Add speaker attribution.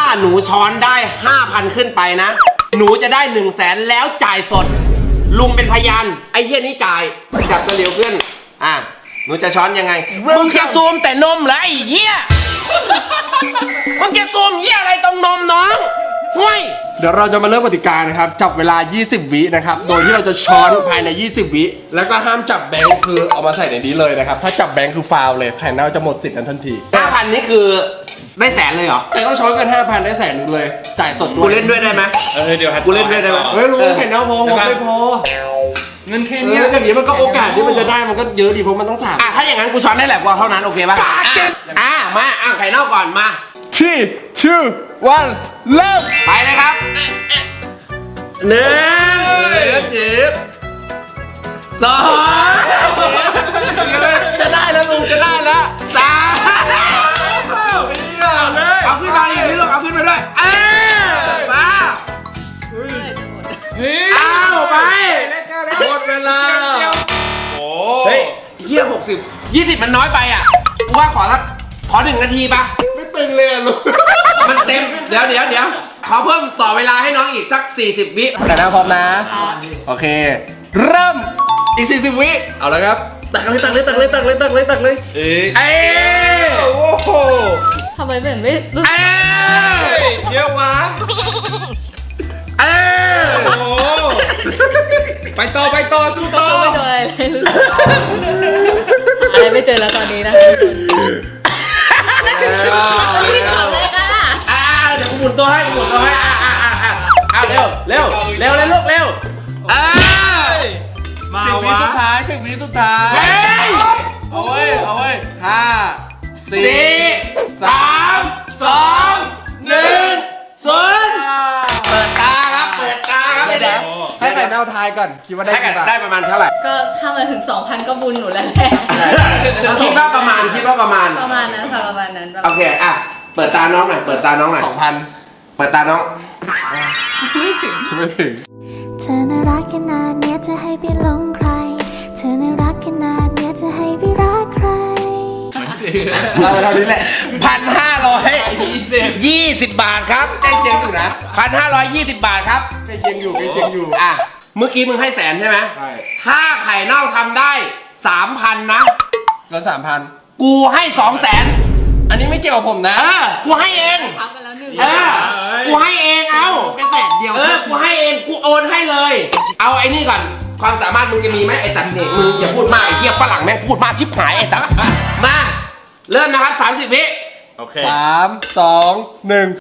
Speaker 1: หนูช้อนได้ 5,000 ขึ้นไปนะหนูจะได้ 100,000แล้วจ่ายสดลุงเป็นพยานไอ้เหี้ยนี่จ่ายจับตัวเร็วขึ้นหนูจะช้อนยังไงมึงจะซูมแต่นมเหรอไอ้เหี้ยมึงจะซูมเหี้ยอะไรตรงนมน้องห่วย
Speaker 2: เดี๋ยวเราจะมาเริ่มกติกานะครับจับเวลา20วินะครับโดยที่เราจะช้อนภายใน20วิแล้วก็ห้ามจับแบงค์คือเอามาใส่ในนี้เลยนะครับถ้าจับแบงค์คือฟาวเลยแผ่นเน่าจะหมดสิทธิ์นั้นทันที
Speaker 1: 5,000 นี่คือได้แสนเลยเหรอ
Speaker 2: แต่ต้องช้อนกัน 5,000 ได้100,000เลยจ่ายสดด้วย
Speaker 1: กูเล่นด้วยได้ไหม
Speaker 3: เดี๋ยว
Speaker 1: กูเล่นด้วยได้ไหม
Speaker 2: เฮ้ยลุงแผ่นเน่าพอไม่พอ
Speaker 3: เงินแค่นี้
Speaker 2: อย่างนี้มันก็โอกาสที่มันจะได้มันก็เยอะดีเพราะมันต้อง3
Speaker 1: ถ้าอย่างนั้นกูช้อนได้แหละกว่าเท่านั้นโอเคป่ะมาไข่เน่าก่อนมา
Speaker 2: 3 2 1 เริ่ม
Speaker 1: ไปเลยครับ1 2จะได้แล้วลุงจะได้แล้ว3เอาขึ้นมาอีกนิดลูกเอาขึ้นมาด้วยมาเอาไป
Speaker 2: หมดเวลา
Speaker 1: เฮ้ยเฮีย20มันน้อยไปอ่ะกูว่าขอ1 นาทีป่ะ
Speaker 2: ไม่ตึงเลยลุง
Speaker 1: มันเต็มเดี๋ยวขอเพิ่มต่อเวลาให้น้องอีกสัก40 วิ
Speaker 2: แต่นะพร้อมนะโอเคเริ่มอีก40 วิเอาแล้วครับตักเลย
Speaker 3: โอ้โห
Speaker 4: ทำไมเป็นไม่รู้
Speaker 3: เยอะวะโอ้ไปต่อสู้ต่อ
Speaker 4: ไม่เจออะไรเลยรู้สึกอะไรไม่เจอแล้วตอนนี้นะไม่ทำเลยค่ะ
Speaker 1: เดี๋ยวกูหมุนตัวให้เร็วลูกเร็ว
Speaker 3: มา
Speaker 2: 10 วิสุดท้าย10 วิสุดท้ายเอาไว้5 4
Speaker 1: 3 2 1 0เปิดตาครับเดี๋ยว
Speaker 2: ให้ไข่เน่าทายก่อนคิดว่าได้กี่บาท
Speaker 1: ได้ประมาณเท่าไหร่
Speaker 4: ก็ถ้ามาถึง 2,000 ก็บุญหนูแล้วแหละ
Speaker 1: คิดว่าประมาณ
Speaker 4: นั้นค่ะประมาณนั้น
Speaker 1: โอเคเปิดตาน้องหน่อย2,000เปิดตาน้อง
Speaker 4: ไม่ถึง
Speaker 5: เธอน่ารักขนาดเนี้ยจะให้ไปหลงใครเธอน่ารักขนาดเนี้ยจะให้ไปรักใคร
Speaker 2: เอาเท่านี้แหละ
Speaker 1: 1,520 บาทครับ
Speaker 2: ใกล้เคียงอยู่นะ
Speaker 1: 1,520 บาทครับ
Speaker 2: ใกล้เคียงอยู่
Speaker 1: เมื่อกี้มึงให้100,000ใช่ไหม
Speaker 2: ใช่
Speaker 1: ถ้าไข่เน่าทำได้ 3,000 นะ
Speaker 2: ก็3,000
Speaker 1: กูให้ 200,000
Speaker 2: อันนี้ไม่เกี่ยวกับผมนะ
Speaker 1: กูให้เอง
Speaker 4: พักกันแล้ว1
Speaker 1: กูให้เองเอา
Speaker 2: แค่100,000เดียว
Speaker 1: กูให้เองกูโอนให้เลยเอาไอ้นี่ก่อนความสามารถมึงจะมีไหมไอ้ตัดเนี่ยมึงอย่าพูดมากไอ้เหี้ยฝรั่งแม่งพูดมากชิบหายไอ้ตัดมาเริ่มนะครับ30 วิ
Speaker 3: โอเค
Speaker 2: 3 2 1